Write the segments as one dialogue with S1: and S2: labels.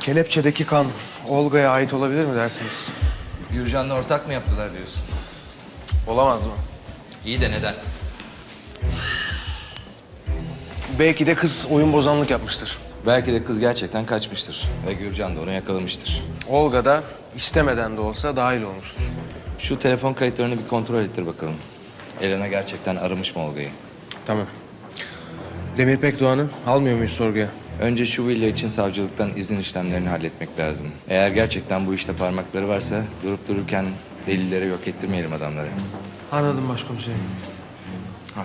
S1: Kelepçedeki kan Olga'ya ait olabilir mi dersiniz?
S2: Gürcan'la ortak mı yaptılar diyorsun?
S1: Olamaz mı?
S2: İyi de neden?
S1: Belki de kız oyun bozanlık yapmıştır.
S2: Belki de kız gerçekten kaçmıştır ve Gürcan da onu yakalamıştır.
S1: Olga da istemeden de olsa dahil olmuştur.
S2: Şu telefon kayıtlarını bir kontrol ettir bakalım. Elena gerçekten aramış mı Olga'yı?
S1: Tamam. Demir Pekdoğan'ı almıyor muyuz sorguya?
S2: Önce şu villa için savcılıktan izin işlemlerini halletmek lazım. Eğer gerçekten bu işte parmakları varsa durup dururken delilleri yok ettirmeyelim adamları.
S1: Anladım başkomiserim.
S2: Hadi.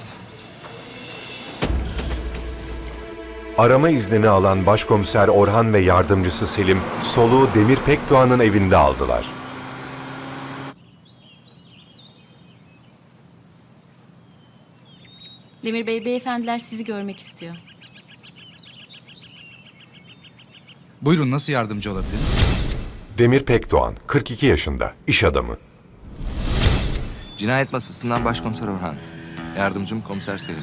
S3: Arama iznini alan Başkomiser Orhan ve yardımcısı Selim, soluğu Demir Pekdoğan'ın evinde aldılar.
S4: Demir Bey, beyefendiler sizi görmek istiyor.
S5: Buyurun, nasıl yardımcı olabilirim?
S3: Demir Pekdoğan, 42 yaşında, iş adamı.
S2: Cinayet masasından Başkomiser Orhan. Yardımcım Komiser Selim.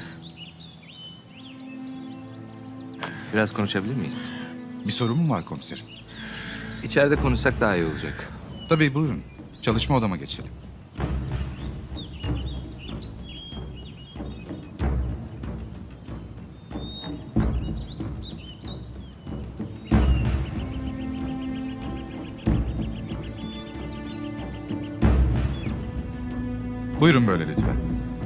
S2: Biraz konuşabilir miyiz?
S5: Bir sorun mu var komiserim?
S2: İçeride konuşsak daha iyi olacak.
S5: Tabii, buyurun. Çalışma odama geçelim. Buyurun böyle lütfen.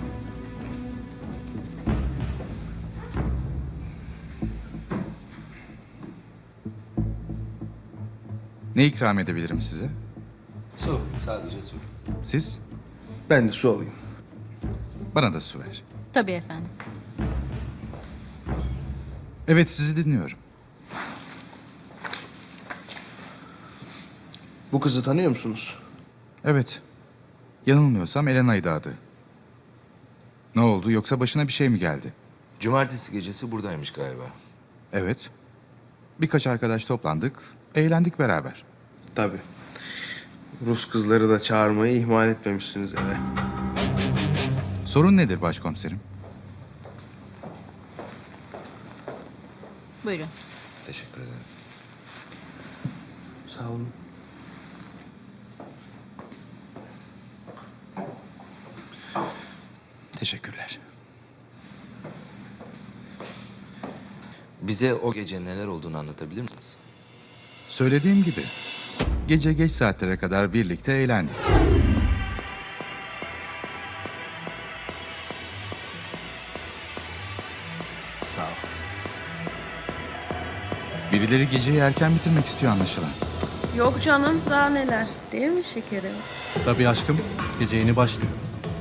S5: Ne ikram edebilirim size?
S2: Su, sadece su.
S5: Siz?
S1: Ben de su alayım.
S5: Bana da su ver.
S4: Tabii efendim.
S5: Evet, sizi dinliyorum.
S1: Bu kızı tanıyor musunuz?
S5: Evet. Yanılmıyorsam Elena'ydı adı. Ne oldu, yoksa başına bir şey mi geldi?
S2: Cumartesi gecesi buradaymış galiba.
S5: Evet. Birkaç arkadaş toplandık, eğlendik beraber.
S1: Tabii. Rus kızları da çağırmayı ihmal etmemişsiniz eve.
S5: Sorun nedir başkomiserim?
S4: Buyurun.
S2: Teşekkür ederim.
S1: Sağ olun.
S5: Teşekkürler.
S2: Bize o gece neler olduğunu anlatabilir misiniz?
S5: Söylediğim gibi, gece geç saatlere kadar birlikte eğlendik.
S6: Sağ ol.
S5: Birileri geceyi erken bitirmek istiyor anlaşılan.
S7: Yok canım, daha neler. Değil mi şekerim?
S6: Tabii aşkım, gece yeni başlıyor.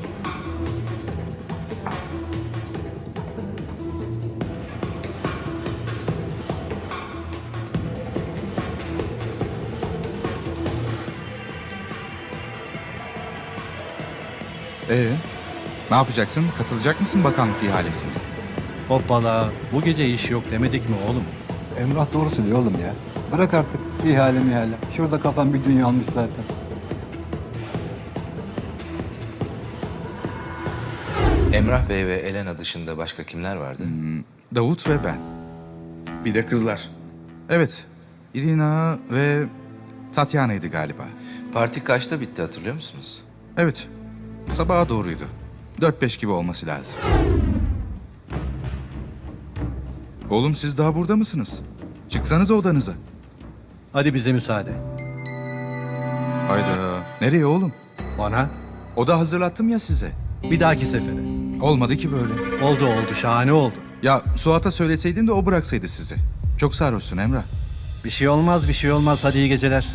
S5: Ne yapacaksın? Katılacak mısın bakanlık ihalesine?
S6: Hoppala, bu gece iş yok demedik mi oğlum?
S8: Emrah doğru söylüyor oğlum ya. Bırak artık ihale mihale. Şurada kafam bir dünya almış zaten.
S2: Emrah Bey ve Elena dışında başka kimler vardı?
S5: Davut ve ben.
S1: Bir de kızlar.
S5: Evet, Irina ve Tatyana'ydı galiba.
S2: Parti kaçta bitti hatırlıyor musunuz?
S5: Evet, sabaha doğruydu. 4-5 gibi olması lazım. Oğlum siz daha burada mısınız? Çıksanıza odanıza.
S6: Hadi bize müsaade.
S5: Hayda, nereye oğlum?
S6: Bana,
S5: Oda hazırlattım ya size.
S6: bir dahaki sefere.
S5: Olmadı ki böyle.
S6: Oldu, şahane oldu.
S5: Ya Suat'a söyleseydim de o bıraksaydı sizi. Çok sarhoşsun Emrah.
S6: Bir şey olmaz. Hadi iyi geceler.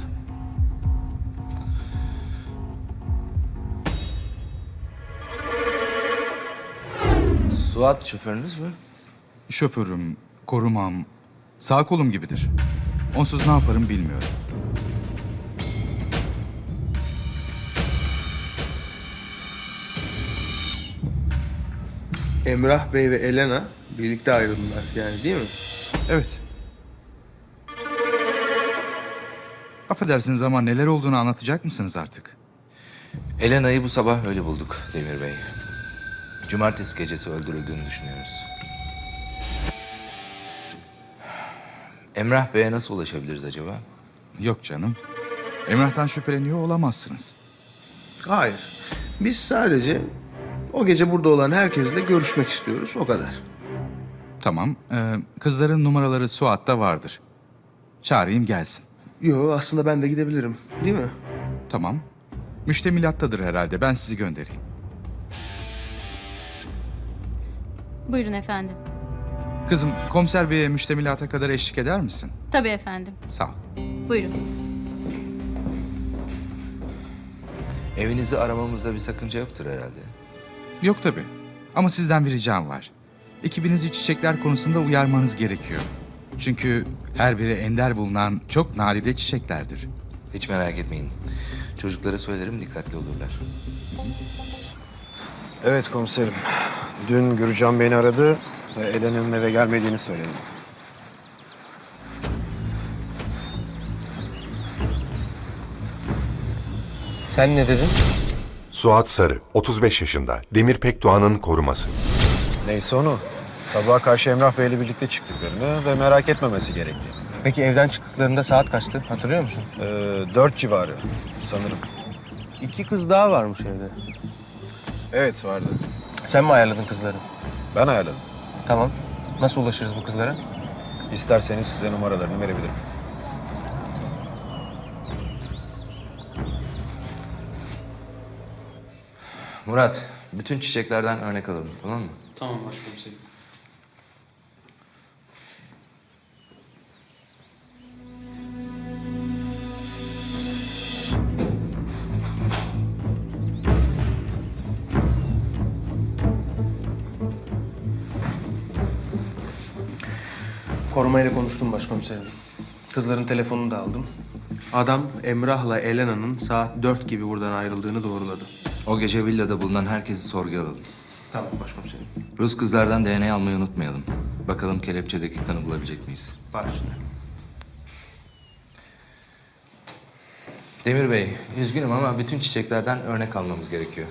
S2: Suat şoförünüz mü?
S5: Şoförüm, korumam, sağ kolum gibidir. Onsuz ne yaparım bilmiyorum.
S1: Emrah Bey ve Elena birlikte ayrıldılar yani değil mi?
S5: Evet. Affedersiniz ama neler olduğunu anlatacak mısınız artık?
S2: Elena'yı bu sabah öyle bulduk Demir Bey. Cumartesi gecesi öldürüldüğünü düşünüyoruz. Emrah Bey'e nasıl ulaşabiliriz acaba?
S5: Yok canım. Emrah'tan şüpheleniyor olamazsınız.
S1: Hayır. Biz sadece o gece burada olan herkesle görüşmek istiyoruz. O kadar.
S5: Tamam. Kızların numaraları Suat'ta vardır. Çağırayım gelsin.
S1: Yo, aslında ben de gidebilirim. Değil mi?
S5: Tamam. Müştemilattadır herhalde. Ben sizi göndereyim.
S4: Buyurun efendim.
S5: Kızım, komiser beye müştemilata kadar eşlik eder misin?
S4: Tabii efendim.
S5: Sağ ol.
S4: Buyurun.
S2: Evinizi aramamızda bir sakınca yoktur herhalde.
S5: Yok tabii. Ama sizden bir ricam var. Ekibinizi çiçekler konusunda uyarmanız gerekiyor. Çünkü her biri ender bulunan çok nadide çiçeklerdir.
S2: Hiç merak etmeyin. Çocuklara söylerim, dikkatli olurlar.
S9: Evet komiserim. Dün Gürcan beni aradı ve Elena'nın eve gelmediğini söyledi.
S1: Sen ne dedin?
S3: Suat Sarı, 35 yaşında, Demir Pekdoğan'ın koruması.
S9: Neyse onu. Sabaha karşı Emrah Bey'le birlikte çıktıklarını ve merak etmemesi gerektiğini.
S1: Peki evden çıktıklarında saat kaçtı? Hatırlıyor musun?
S9: 4 civarı sanırım.
S1: 2 kız daha varmış evde.
S9: Evet vardı.
S1: Sen mi ayarladın kızları?
S9: Ben ayarladım.
S1: Tamam. Nasıl ulaşırız bu kızlara?
S9: İsterseniz size numaralarını verebilirim.
S2: Murat, bütün çiçeklerden örnek alalım, tamam mı?
S1: Tamam başkomiserim. Korumayla konuştum başkomiserim. Kızların telefonunu da aldım. Adam Emrah'la Elena'nın saat 4 gibi buradan ayrıldığını doğruladı.
S2: O gece villada bulunan herkesi sorguya alalım.
S1: Tamam başkomiserim.
S2: Rus kızlardan DNA almayı unutmayalım. Bakalım kelepçedeki kanı bulabilecek miyiz?
S1: Baş üstüne.
S2: Demir Bey, üzgünüm ama bütün çiçeklerden örnek almamız gerekiyor.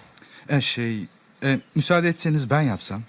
S5: Müsaade etseniz ben yapsam.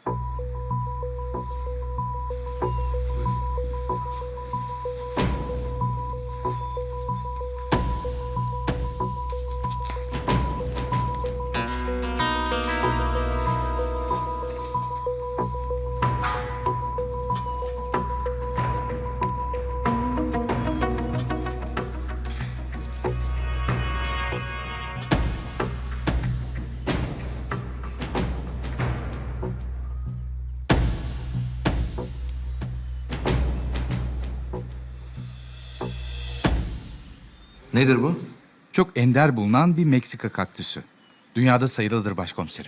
S2: Nedir bu?
S5: Çok ender bulunan bir Meksika kaktüsü. Dünyada sayılıdır başkomiserim.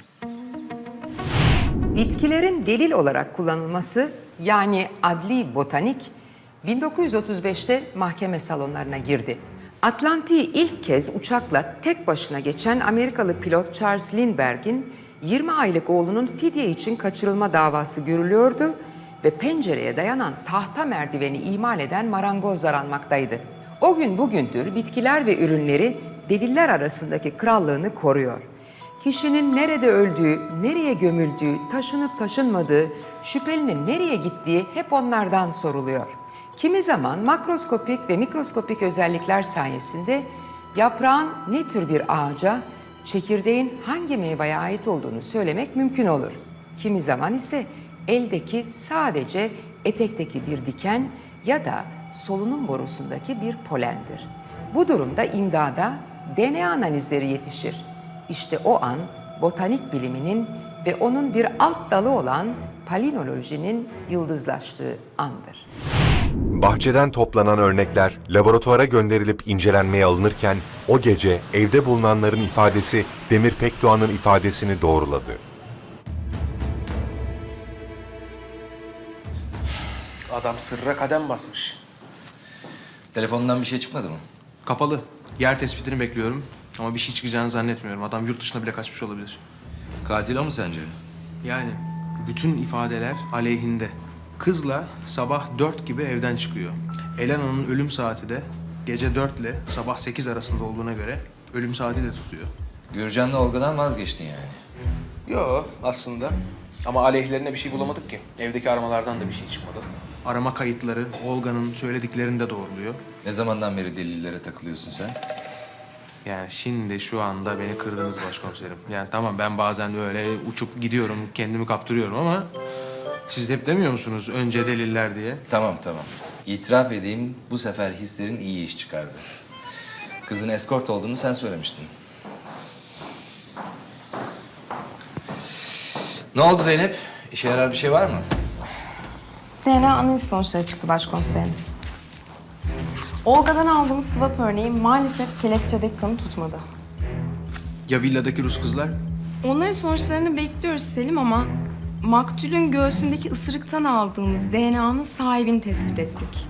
S10: Bitkilerin delil olarak kullanılması yani adli botanik 1935'te mahkeme salonlarına girdi. Atlantik'i ilk kez uçakla tek başına geçen Amerikalı pilot Charles Lindbergh'in 20 aylık oğlunun fidye için kaçırılma davası görülüyordu ve pencereye dayanan tahta merdiveni imal eden marangoz aranmaktaydı. O gün bugündür bitkiler ve ürünleri deliller arasındaki krallığını koruyor. Kişinin nerede öldüğü, nereye gömüldüğü, taşınıp taşınmadığı, şüphelinin nereye gittiği hep onlardan soruluyor. Kimi zaman makroskopik ve mikroskopik özellikler sayesinde yaprağın ne tür bir ağaca, çekirdeğin hangi meyveye ait olduğunu söylemek mümkün olur. Kimi zaman ise eldeki sadece etekteki bir diken ya da solunum borusundaki bir polendir. Bu durumda imdada DNA analizleri yetişir. İşte o an botanik biliminin ve onun bir alt dalı olan palinolojinin yıldızlaştığı andır.
S3: Bahçeden toplanan örnekler laboratuvara gönderilip incelenmeye alınırken o gece evde bulunanların ifadesi Demir Pekdoğan'ın ifadesini doğruladı.
S1: Adam sırra kadem basmış.
S2: Telefonundan bir şey çıkmadı mı?
S1: Kapalı. Yer tespitini bekliyorum. Ama bir şey çıkacağını zannetmiyorum. Adam yurt dışına bile kaçmış olabilir.
S2: Katil o mu sence?
S1: Yani bütün ifadeler aleyhinde. Kızla sabah 4 gibi evden çıkıyor. Elena'nın ölüm saati de gece 4 ile sabah 8 arasında olduğuna göre ölüm saati de tutuyor.
S2: Gürcan'la Olga'dan vazgeçtin yani.
S1: Yo aslında. Ama aleyhlerine bir şey bulamadık ki. Evdeki aramalardan da bir şey çıkmadı. arama kayıtları Olga'nın söylediklerini de doğruluyor.
S2: Ne zamandan beri delillere takılıyorsun sen?
S1: Yani şimdi şu anda beni kırdınız başkomiserim. Yani tamam ben bazen öyle uçup gidiyorum, kendimi kaptırıyorum ama... Siz hep demiyor musunuz önce deliller diye?
S2: Tamam. İtiraf edeyim, bu sefer hislerin iyi iş çıkardı. Kızın eskort olduğunu sen söylemiştin. Ne oldu Zeynep? İşe yarar bir şey var mı?
S11: DNA analiz sonuçları çıktı başkomiserim. Olga'dan aldığımız swap örneği maalesef kelepçedeki kanı tutmadı.
S1: Ya villadaki Rus kızlar?
S11: Onların sonuçlarını bekliyoruz Selim ama maktulün göğsündeki ısırıktan aldığımız DNA'nın sahibini tespit ettik.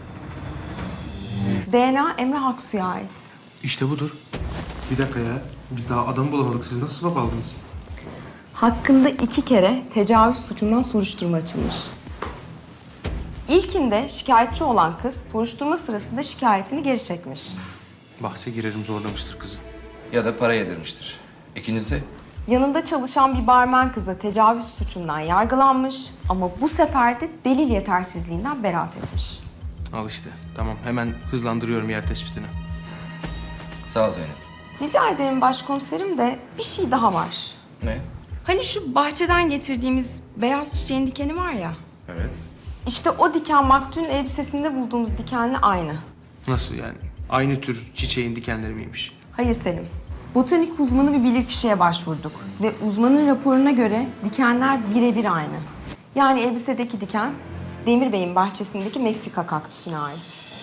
S11: DNA Emre Aksu'ya ait.
S1: İşte budur. Bir dakika ya. Biz daha adamı bulamadık. Siz nasıl swap aldınız?
S11: Hakkında 2 kere tecavüz suçundan soruşturma açılmış. İlkinde şikayetçi olan kız soruşturma sırasında şikayetini geri çekmiş.
S1: Bahse girerim zorlamıştır kızı.
S2: Ya da para yedirmiştir. İkincisi?
S11: Yanında çalışan bir barmen kız da tecavüz suçundan yargılanmış ama bu sefer de delil yetersizliğinden beraat etmiş.
S1: Al işte. Tamam hemen hızlandırıyorum yer tespitini.
S2: Sağ ol Zeynep.
S11: Rica ederim başkomiserim de bir şey daha var.
S2: Ne?
S11: Hani şu bahçeden getirdiğimiz beyaz çiçeğin dikeni var ya.
S2: Evet.
S11: İşte o diken maktulün elbisesinde bulduğumuz dikenle aynı.
S1: Nasıl yani? Aynı tür çiçeğin dikenleri miymiş?
S11: Hayır Selim. Botanik uzmanı bir bilirkişiye başvurduk. Ve uzmanın raporuna göre dikenler birebir aynı. Yani elbisedeki diken Demir Bey'in bahçesindeki Meksika kaktüsüne ait.